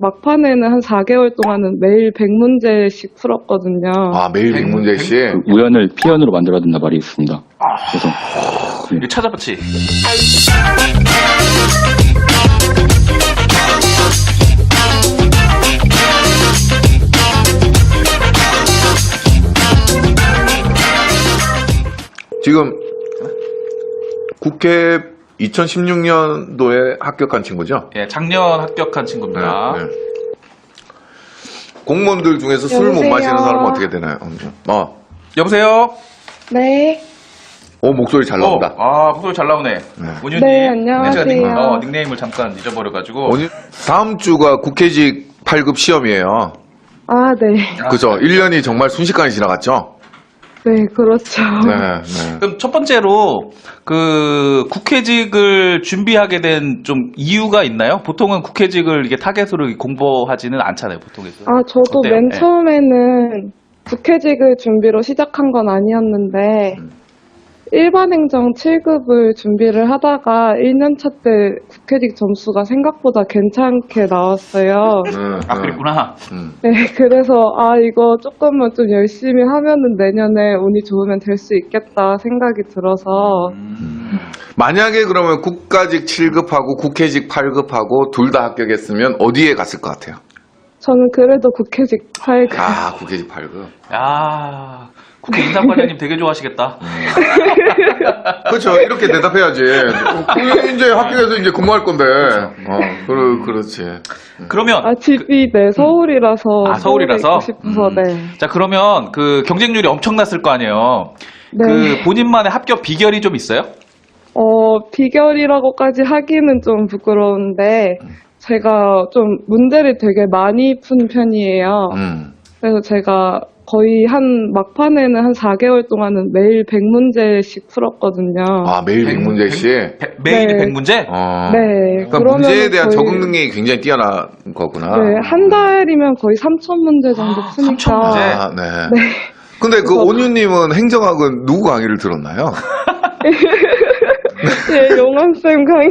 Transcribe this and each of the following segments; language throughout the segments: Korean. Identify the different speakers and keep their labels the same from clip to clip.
Speaker 1: 막판에는 한 4개월 동안은 매일 100문제씩 풀었거든요.
Speaker 2: 아, 매일 100문제씩?
Speaker 3: 그 우연을 피연으로 만들어야 된다 말이 있습니다. 그래서
Speaker 4: 이거 찾아봤지.
Speaker 2: 지금 국회 2016년도에 합격한 친구죠?
Speaker 4: 예, 작년 합격한 친구입니다.
Speaker 2: 네. 공무원들 중에서 술 못
Speaker 1: 여보세요?
Speaker 2: 마시는 사람은 어떻게 되나요?
Speaker 4: 여보세요?
Speaker 1: 네.
Speaker 2: 목소리 잘 나온다.
Speaker 4: 목소리 잘 나오네. 온유님.
Speaker 1: 네, 안녕하세요.
Speaker 4: 제가 닉네임을 잠깐 잊어버려가지고.
Speaker 2: 다음 주가 국회직 8급 시험이에요.
Speaker 1: 아, 네.
Speaker 2: 그죠? 1년이 정말 순식간에 지나갔죠?
Speaker 1: 네, 그렇죠.
Speaker 2: 네.
Speaker 4: 그럼 첫 번째로 그 국회직을 준비하게 된 좀 이유가 있나요? 보통은 국회직을 이게 타겟으로 공부하지는 않잖아요, 보통에서.
Speaker 1: 아, 저도
Speaker 4: 어때요?
Speaker 1: 맨
Speaker 4: 네.
Speaker 1: 처음에는 국회직을 준비로 시작한 건 아니었는데, 일반 행정 7급을 준비를 하다가 1년차 때 국회직 점수가 생각보다 괜찮게 나왔어요.
Speaker 4: 그랬구나.
Speaker 1: 네, 그래서 이거 조금만 좀 열심히 하면은 내년에 운이 좋으면 될 수 있겠다 생각이 들어서
Speaker 2: 만약에 그러면 국가직 7급하고 국회직 8급하고 둘 다 합격했으면 어디에 갔을 것 같아요?
Speaker 1: 저는 그래도 국회직 8급.
Speaker 2: 아, 국회직 8급.
Speaker 4: 야, 국회 인사관장님 되게 좋아하시겠다.
Speaker 2: 그렇죠. 이렇게 대답해야지. 이제 합격해서 이제 근무할 건데. 그렇지.
Speaker 4: 그러면
Speaker 1: 집이 네, 서울이라서
Speaker 4: 서울이라서?
Speaker 1: 서울에 있고 싶어서 네.
Speaker 4: 자, 그러면 그 경쟁률이 엄청났을 거 아니에요.
Speaker 1: 네.
Speaker 4: 그 본인만의 합격 비결이 좀 있어요?
Speaker 1: 비결이라고까지 하기는 좀 부끄러운데 제가 좀 문제를 되게 많이 푼 편이에요. 그래서 제가 거의 막판에는 한 4개월 동안은 매일 100문제씩 풀었거든요.
Speaker 2: 아, 매일 100문제씩?
Speaker 4: 매일
Speaker 1: 네.
Speaker 4: 100문제?
Speaker 1: 네.
Speaker 2: 그러니까 문제에 대한 적응 능력이 굉장히 뛰어난 거구나.
Speaker 1: 네, 한 달이면 거의 3,000문제 정도 푸니까.
Speaker 4: 3,000문제?
Speaker 2: 네. 근데 그 온유님은 행정학은 누구 강의를 들었나요?
Speaker 1: 네, 용환쌤 강의.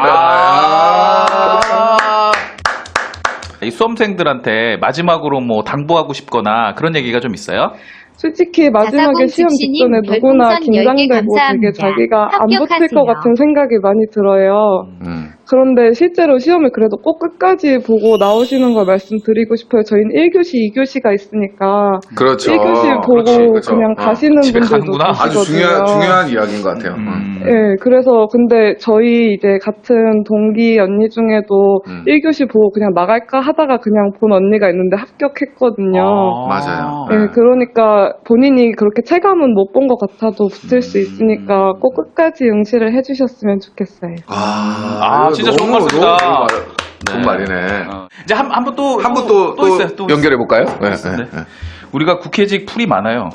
Speaker 4: 이 수험생들한테 마지막으로 뭐 당부하고 싶거나 그런 얘기가 좀 있어요?
Speaker 1: 솔직히 마지막에 시험 직전에 누구나 긴장되고 되게 자기가 안 붙을 것 같은 생각이 많이 들어요. 그런데 실제로 시험을 그래도 꼭 끝까지 보고 나오시는 걸 말씀드리고 싶어요. 저희는 1교시, 2교시가 있으니까
Speaker 2: 그렇죠.
Speaker 1: 1교시 보고
Speaker 2: 그렇죠.
Speaker 1: 그냥 가시는
Speaker 4: 집에
Speaker 1: 분들도
Speaker 4: 가는구나.
Speaker 2: 아주
Speaker 1: 계시거든요.
Speaker 2: 중요한 이야기인 것 같아요.
Speaker 1: 네, 그래서 근데 저희 이제 같은 동기 언니 중에도 1교시 보고 그냥 나갈까 하다가 그냥 본 언니가 있는데 합격했거든요.
Speaker 2: 맞아요.
Speaker 1: 네, 그러니까 본인이 그렇게 체감은 못 본 것 같아도 붙을 수 있으니까 꼭 끝까지 응시를 해주셨으면 좋겠어요.
Speaker 4: 진짜 좋은 말씀이다.
Speaker 2: 좋은 말이네.
Speaker 4: 이제 한 분 또 있어요. 또
Speaker 2: 연결해 볼까요? 네.
Speaker 4: 우리가 국회직 풀이 많아요.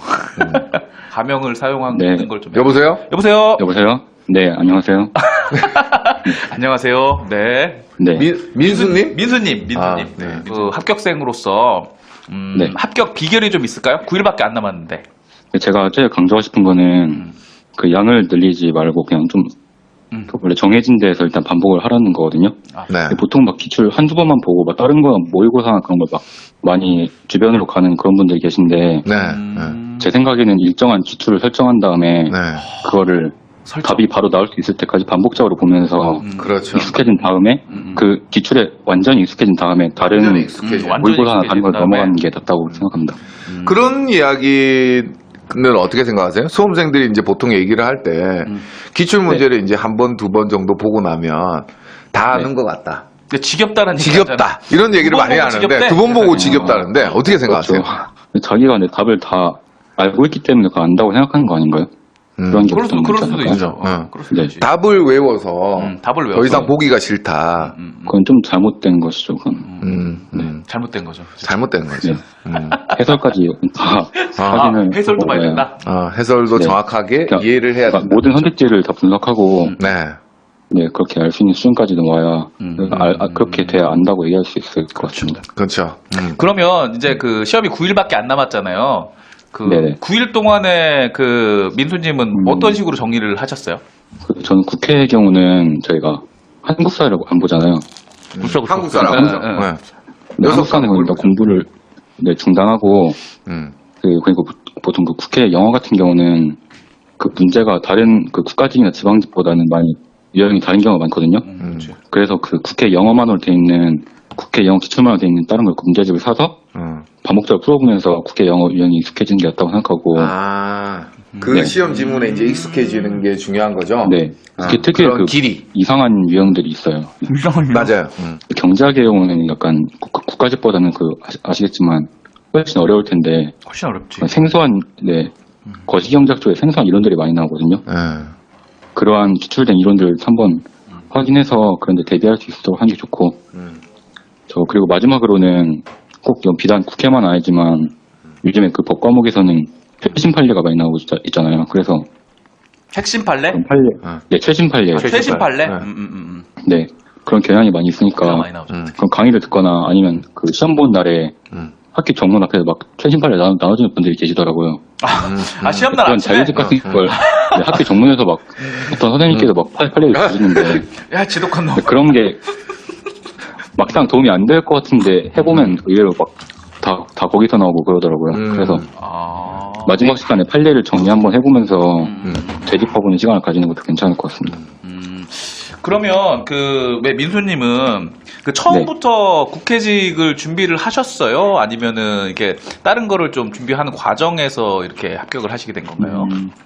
Speaker 4: 가명을 사용하는 걸 좀.
Speaker 2: 여보세요?
Speaker 4: 여보세요?
Speaker 3: 여보세요? 네, 안녕하세요.
Speaker 4: 안녕하세요. 네.
Speaker 3: 네.
Speaker 2: 민수님?
Speaker 4: 민수님.
Speaker 2: 네.
Speaker 4: 그 합격생으로서
Speaker 3: 네.
Speaker 4: 합격 비결이 좀 있을까요? 9일밖에 안 남았는데.
Speaker 3: 제가 제일 강조하고 싶은 거는 그 양을 늘리지 말고 그냥 좀 원래 정해진 데에서 일단 반복을 하라는 거거든요.
Speaker 2: 네.
Speaker 3: 보통 막 기출 한두 번만 보고 막 다른 거 모의고사 그런 걸 막 많이 주변으로 가는 그런 분들이 계신데
Speaker 2: 네.
Speaker 3: 제 생각에는 일정한 기출을 설정한 다음에 그거를 답이 바로 나올 수 있을 때까지 반복적으로 보면서
Speaker 2: 그렇죠.
Speaker 3: 익숙해진 다음에 그 기출에 완전히 익숙해진 다음에 다른
Speaker 2: 완전히 익숙해진
Speaker 3: 모의고사나 다른 걸
Speaker 4: 다음에.
Speaker 3: 넘어가는 게 낫다고 생각합니다.
Speaker 2: 그런 이야기는 어떻게 생각하세요? 수험생들이 이제 보통 얘기를 할 때 기출 문제를 이제 한 번, 두 번 정도 보고 나면 다 아는 것 같다.
Speaker 4: 지겹다는
Speaker 2: 지겹다. 이런 얘기를
Speaker 4: 두번
Speaker 2: 많이
Speaker 4: 보고
Speaker 2: 하는데
Speaker 4: 지겹대?
Speaker 2: 두 번 보고 지겹다는데 어떻게 생각하세요?
Speaker 3: 자기가 내 답을 다 알고 있기 때문에 그거 안다고 생각하는 거 아닌가요? 그런 게
Speaker 4: 그럴
Speaker 3: 보통
Speaker 4: 수도
Speaker 3: 있지
Speaker 4: 있죠.
Speaker 3: 않을까요?
Speaker 4: 그럴 수도
Speaker 3: 네.
Speaker 4: 있지.
Speaker 2: 답을 외워서
Speaker 4: 답을 외워서
Speaker 2: 더 이상 보기가 싫다.
Speaker 3: 그건 좀 잘못된 것이죠. 그건.
Speaker 4: 잘못된 거죠.
Speaker 2: 잘못된 거죠.
Speaker 3: 해설까지 다 확인을
Speaker 4: 해설도 많이
Speaker 3: 해봐야
Speaker 4: 된다.
Speaker 2: 해설도
Speaker 3: 네.
Speaker 2: 정확하게
Speaker 3: 그러니까
Speaker 2: 이해를 해야 된다.
Speaker 3: 모든 선택지를 다 분석하고
Speaker 2: 네.
Speaker 3: 그렇게 알 수 있는 수준까지 넘어야 그렇게 돼야 안다고 얘기할 수 있을 것 같습니다.
Speaker 2: 그렇죠.
Speaker 4: 그러면 이제 그 시험이 9일밖에 안 남았잖아요. 그
Speaker 3: 네네.
Speaker 4: 9일 동안에 그 민수님은 어떤 식으로 정리를 하셨어요?
Speaker 3: 저는 국회의 경우는 저희가 한국 사회를 안 보잖아요.
Speaker 4: 그렇죠.
Speaker 2: 한국 사람.
Speaker 4: 네, 네.
Speaker 3: 네, 한국사는 그러니까 공부를 네, 중단하고 그리고 보통 그 국회 영어 같은 경우는 그 문제가 다른 그 국가직이나 지방직보다는 많이 유형이 다른 경우가 많거든요. 그래서 그 국회 영어만으로 돼 있는 국회 영어 기출만으로 돼 있는 다른 걸 문제집을 사서 반복적으로 풀어보면서 국회 영어 유형이 익숙해지는 게 낫다고 생각하고.
Speaker 2: 그
Speaker 3: 네.
Speaker 2: 시험 지문에 이제 익숙해지는 게 중요한 거죠.
Speaker 3: 네. 그게 특유의
Speaker 2: 그런
Speaker 3: 그
Speaker 2: 길이.
Speaker 3: 이상한 유형들이 있어요.
Speaker 2: 맞아요.
Speaker 3: 경제학의 경우는 약간 국가직보다는 그 아시겠지만 훨씬 어려울 텐데
Speaker 4: 훨씬 어렵지.
Speaker 3: 생소한 네 거시경제학 쪽에 생소한 이론들이 많이 나오거든요. 그러한 기출된 이론들을 한번 확인해서 그런데 대비할 수 있도록 하는 게 좋고 저 그리고 마지막으로는 꼭 이건 비단 국회만 아니지만 요즘에 그 법 과목에서는 최신 판례가 많이 나오고 있잖아요. 그래서
Speaker 4: 핵심 판례?
Speaker 3: 판례 네 최신 판례
Speaker 4: 최신 판례?
Speaker 3: 네 그런 경향이 많이 있으니까
Speaker 4: 많이 나오죠.
Speaker 3: 그런 강의를 듣거나 아니면 그 시험 보는 날에 학교 정문 앞에서 막 최신 판례 나눠주는 분들이 계시더라고요.
Speaker 4: 시험날
Speaker 3: 그런
Speaker 4: 아침에?
Speaker 3: 자유직 같은 걸 네, 학교 정문에서 막 어떤 선생님께서 막 판례를 주시는데
Speaker 4: 야, 지독한 놈.
Speaker 3: 그런 게 막상 도움이 안 될 것 같은데 해보면 의외로 막 다 거기서 나오고 그러더라고요. 그래서 마지막 시간에 판례를 정리 한번 해보면서 되짚어보는 시간을 가지는 것도 괜찮을 것 같습니다.
Speaker 4: 그러면 왜 민수님은 그 처음부터 국회직을 준비를 하셨어요? 아니면은 이렇게 다른 거를 좀 준비하는 과정에서 이렇게 합격을 하시게 된 건가요?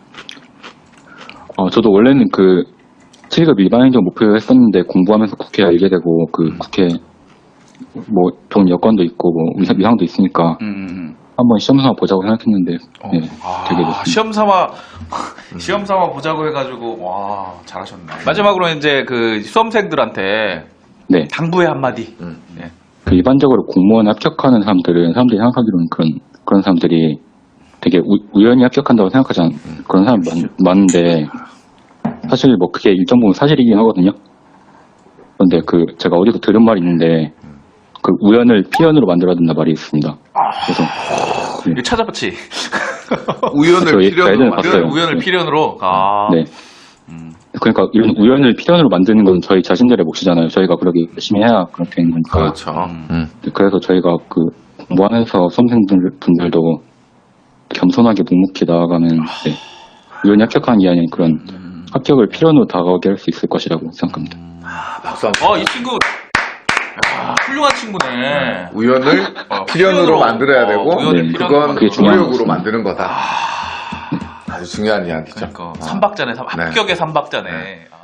Speaker 3: 저도 원래는 그 7급 일반 행정 목표를 했었는데 공부하면서 국회 알게 되고 그 국회 뭐 좋은 여건도 있고 뭐 위상도 있으니까 한번 시험 삼아 보자고 생각했는데 네, 되게 됐습니다.
Speaker 4: 시험 삼아 보자고 해가지고 와 잘하셨네. 마지막으로 이제 그 수험생들한테
Speaker 3: 네.
Speaker 4: 당부의 한마디. 네.
Speaker 3: 그 일반적으로 공무원 합격하는 사람들이 생각하기로는 그런 사람들이 되게 우연히 합격한다고 생각하지 않는 그런 사람 많은데 사실 뭐 그게 일정 부분 사실이긴 하거든요. 그런데 제가 어디서 들은 말이 있는데 그 우연을 필연으로 만들어야 된다 말이 있습니다. 그래서
Speaker 4: 이거 찾아봤지. 우연을 필연으로.
Speaker 3: 네. 그러니까 이런 우연을 필연으로 만드는 건 저희 자신들의 몫이잖아요. 저희가 그렇게 열심히 해야 그렇게 되는 거니까.
Speaker 2: 그렇죠.
Speaker 3: 그래서 저희가 공부하면서 수험생분들도 겸손하게 묵묵히 나아가면 네. 우연히 합격한 게 아닌 그런 합격을 필연으로 다가오게 할 수 있을 것이라고 생각합니다.
Speaker 2: 박수 한번.
Speaker 4: 이 친구 훌륭한 친구네.
Speaker 2: 우연을 필연으로 만들어야 되고 그건 노력으로 만드는 거다. 아주 중요한 이야기죠.
Speaker 4: 그러니까 삼박자네, 합격의 삼박자네.